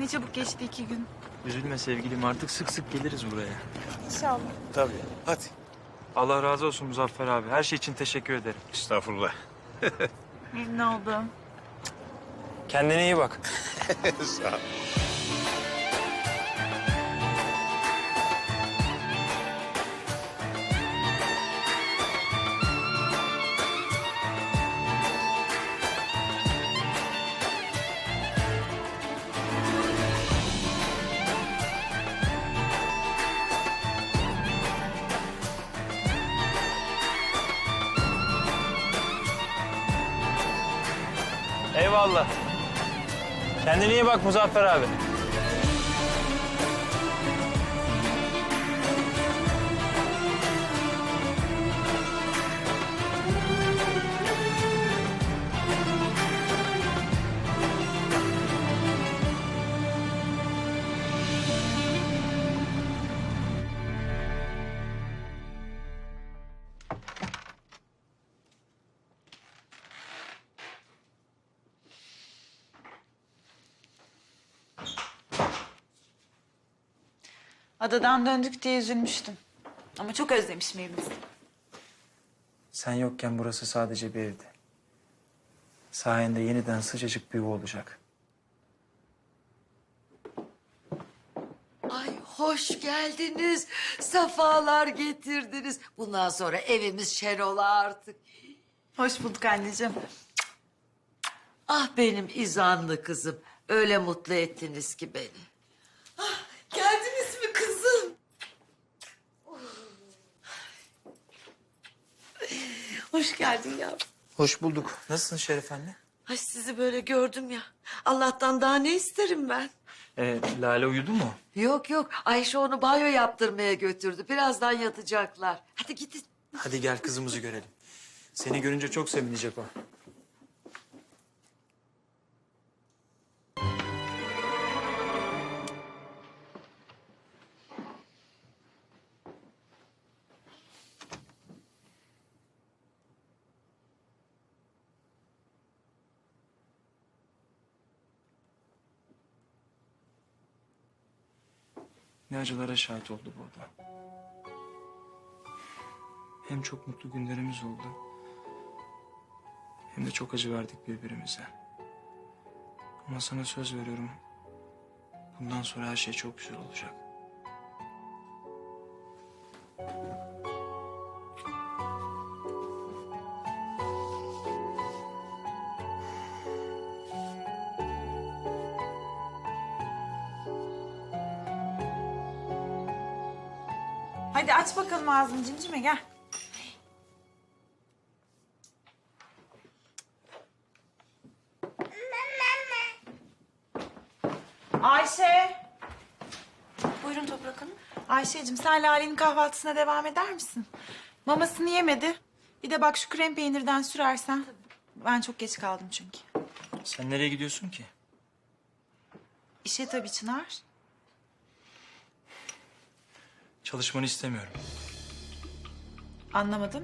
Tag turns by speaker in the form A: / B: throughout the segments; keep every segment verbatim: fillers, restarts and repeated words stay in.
A: Ne çabuk geçti iki gün.
B: Üzülme sevgilim, artık sık sık geliriz buraya.
A: İnşallah.
C: Tabii. Hadi.
B: Allah razı olsun Muzaffer abi. Her şey için teşekkür ederim.
C: Estağfurullah.
A: Memnun oldum.
B: Kendine iyi bak.
C: Sağ ol.
B: Eyvallah. Kendine iyi bak Muzaffer abi.
A: Adadan döndük diye üzülmüştüm. Ama çok özlemişim evimizi.
B: Sen yokken burası sadece bir evdi. Sayende yeniden sıcacık bir yuva olacak.
D: Ay hoş geldiniz. Safalar getirdiniz. Bundan sonra evimiz şen ola artık.
A: Hoş bulduk anneciğim.
D: Ah benim izanlı kızım. Öyle mutlu ettiniz ki beni. Ah, geldiniz mi kızım? Hoş geldin yavrum.
B: Hoş bulduk. Nasılsın Şeref anne?
D: Ay sizi böyle gördüm ya. Allah'tan daha ne isterim ben?
B: Ee, Lale uyudu mu?
D: Yok yok. Ayşe onu banyo yaptırmaya götürdü. Birazdan yatacaklar. Hadi gidin.
B: Hadi gel kızımızı görelim. Seni görünce çok sevinecek o. Ne acılara şahit oldu burada. Hem çok mutlu günlerimiz oldu, hem de çok acı verdik birbirimize. Ama sana söz veriyorum, bundan sonra her şey çok güzel olacak.
A: Hadi aç bakalım ağzını cincime gel. Ayşe.
E: Buyurun Toprak Hanım.
A: Ayşe'cim sen Lale'nin kahvaltısına devam eder misin? Mamasını yemedi. Bir de bak şu krem peynirden sürersen. Ben çok geç kaldım çünkü.
B: Sen nereye gidiyorsun ki?
A: İşe tabii Çınar.
B: Çalışmanı istemiyorum.
A: Anlamadım.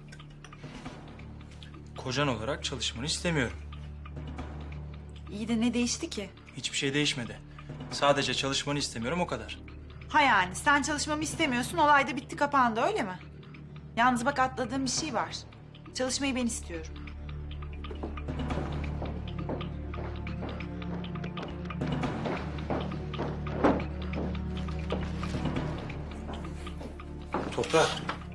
B: Kocan olarak çalışmanı istemiyorum.
A: İyi de ne değişti ki?
B: Hiçbir şey değişmedi. Sadece çalışmanı istemiyorum, o kadar.
A: Ha yani sen çalışmamı istemiyorsun, olay da bitti kapandı öyle mi? Yalnız bak atladığım bir şey var. Çalışmayı ben istiyorum.
B: Toprak.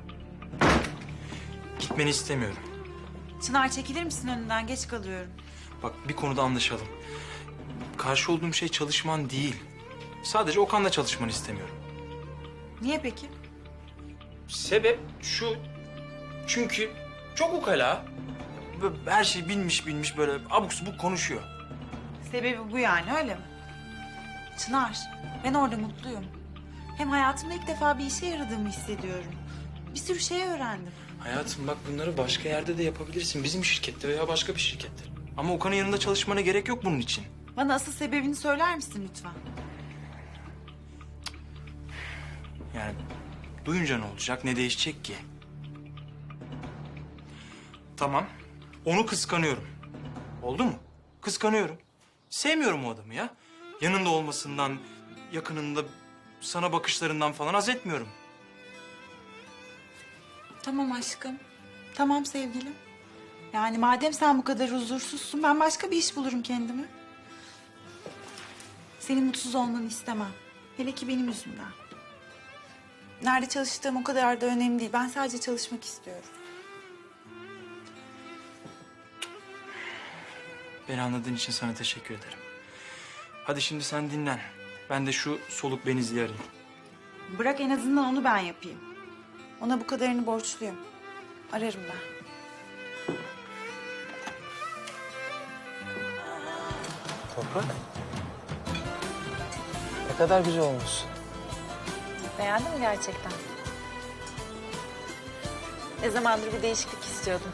B: Gitmeni istemiyorum.
A: Çınar çekilir misin önünden? Geç kalıyorum.
B: Bak, bir konuda anlaşalım. Karşı olduğum şey çalışman değil. Sadece Okan'la çalışmanı istemiyorum.
A: Niye peki?
B: Sebep şu. Çünkü çok ukala. Böyle her şeyi bilmiş bilmiş böyle abuk subuk konuşuyor.
A: Sebebi bu yani öyle mi? Çınar, ben orada mutluyum. Hem hayatımda ilk defa bir işe yaradığımı hissediyorum. Bir sürü şey öğrendim.
B: Hayatım bak, bunları başka yerde de yapabilirsin. Bizim şirkette veya başka bir şirkette. Ama Okan'ın yanında çalışmana gerek yok bunun için.
A: Bana asıl sebebini söyler misin lütfen?
B: Yani duyunca ne olacak, ne değişecek ki? Tamam, onu kıskanıyorum. Oldu mu? Kıskanıyorum. Sevmiyorum o adamı ya. yanında olmasından, yakınında sana bakışlarından falan haz etmiyorum.
A: Tamam aşkım. Tamam sevgilim. Yani madem sen bu kadar huzursuzsun ben başka bir iş bulurum kendime. Senin mutsuz olmanı istemem. Hele ki benim yüzümden. Nerede çalıştığım o kadar da önemli değil. Ben sadece çalışmak istiyorum.
B: Beni anladığın için sana teşekkür ederim. Hadi şimdi sen dinlen. Ben de şu soluk benizliği arayayım.
A: Bırak en azından onu ben yapayım. Ona bu kadarını borçluyum. Ararım ben.
F: Toprak. Ne kadar güzel olmuşsun.
A: Beğendin mi gerçekten? Ne zamandır bir değişiklik istiyordum.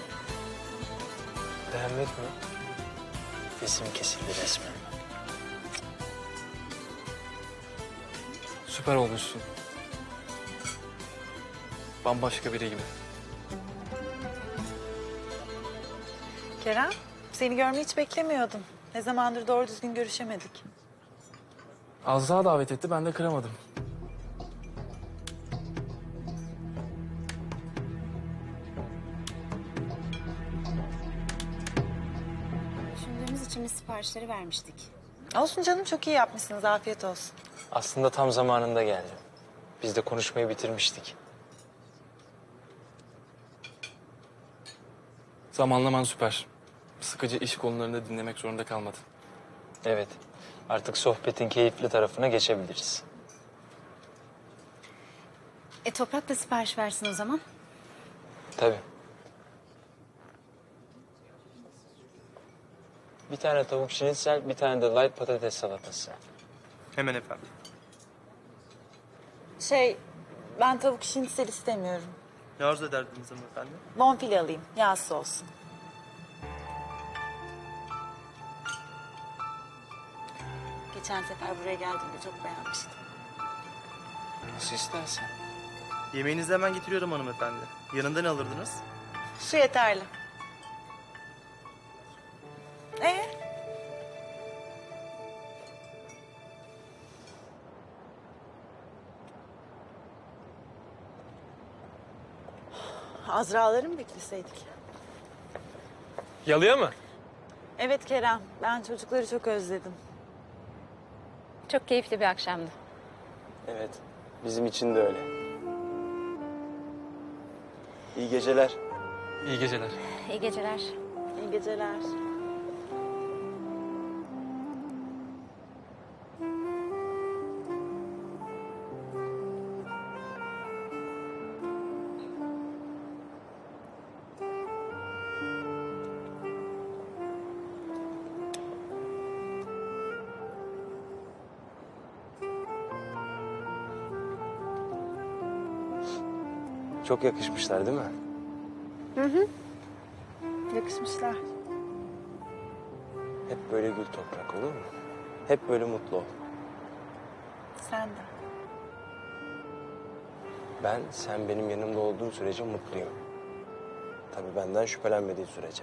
F: Beğenmek mi? Resim kesildi resmen. Süper olmuşsun. Bambaşka biri gibi.
A: Kerem, seni görmeyi hiç beklemiyordum. Ne zamandır doğru düzgün görüşemedik.
F: Azra davet etti, ben de kıramadım.
E: Düşündüğümüz için biz siparişleri vermiştik.
A: Olsun canım, çok iyi yapmışsınız. Afiyet olsun.
F: Aslında tam zamanında geldi. Biz de konuşmayı bitirmiştik. Zamanlaman süper. Sıkıcı iş konularını dinlemek zorunda kalmadın. Evet. Artık sohbetin keyifli tarafına geçebiliriz.
E: E Toprak da sipariş versin o zaman.
F: Tabii. Bir tane tavuk şinitzel, bir tane de light patates salatası.
B: Hemen efendim.
A: Şey, ben tavuk şinitsel istemiyorum.
B: Ne arzu ederdiniz hanımefendi?
A: Bonfile alayım, yağsız olsun. Geçen sefer buraya geldiğimde çok beğenmiştim.
F: Nasıl istersen.
G: Yemeğinizi hemen getiriyorum hanımefendi. Yanında ne alırdınız?
A: Su yeterli. Ee? Azra'ları mı bekleseydik?
F: Yalıya mı?
A: Evet Kerem, ben çocukları çok özledim.
E: Çok keyifli bir akşamdı.
F: Evet. Bizim için de öyle. İyi geceler. İyi geceler.
E: İyi geceler.
A: İyi geceler.
F: Çok yakışmışlar değil mi?
A: Yakışmışlar.
F: Hep böyle gül Toprak, olur mu? Hep böyle mutlu ol.
A: Sen de.
F: Ben sen benim yanımda olduğun sürece mutluyum. Tabii benden şüphelenmediğin sürece.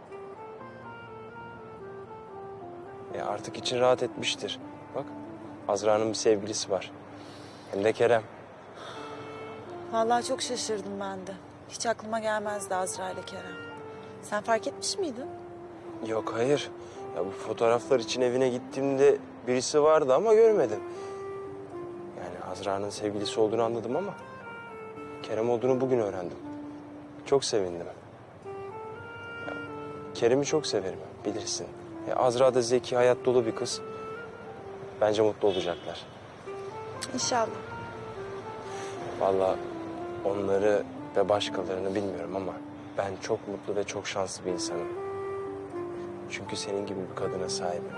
F: E artık için rahat etmiştir. Bak, Azra'nın bir sevgilisi var. Hem de Kerem.
A: Vallahi çok şaşırdım ben de. Hiç aklıma gelmezdi Azra ile Kerem. Sen fark etmiş miydin?
F: Yok, hayır. Ya bu fotoğraflar için evine gittiğimde birisi vardı ama görmedim. Yani Azra'nın sevgilisi olduğunu anladım ama Kerem olduğunu bugün öğrendim. Çok sevindim. Ya, Kerem'i çok severim, bilirsin. Ya, Azra da zeki, hayat dolu bir kız. Bence mutlu olacaklar.
A: İnşallah.
F: Vallahi onları ve başkalarını bilmiyorum ama ben çok mutlu ve çok şanslı bir insanım. Çünkü senin gibi bir kadına sahibim.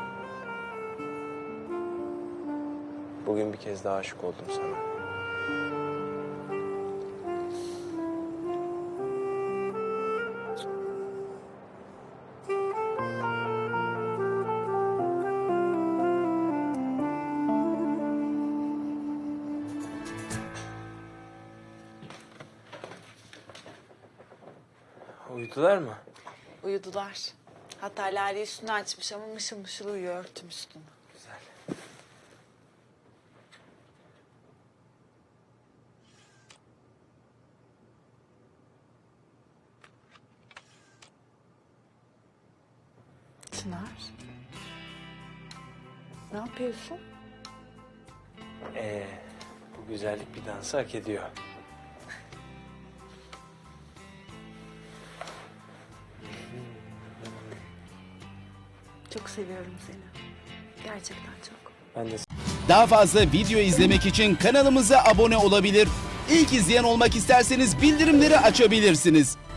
F: Bugün bir kez daha aşık oldum sana. Uyudular mı?
A: Uyudular. Hatta Lale üstünü açmış ama mışıl mışıl uyuyor örtüm üstünü.
F: Güzel.
A: Çınar. Ne yapıyorsun?
F: Ee, bu güzellik bir dansı hak ediyor.
A: Çok seviyorum seni. Gerçekten çok.
F: Ben de
H: Daha fazla video izlemek için kanalımıza abone olabilir. İlk izleyen olmak isterseniz bildirimleri açabilirsiniz.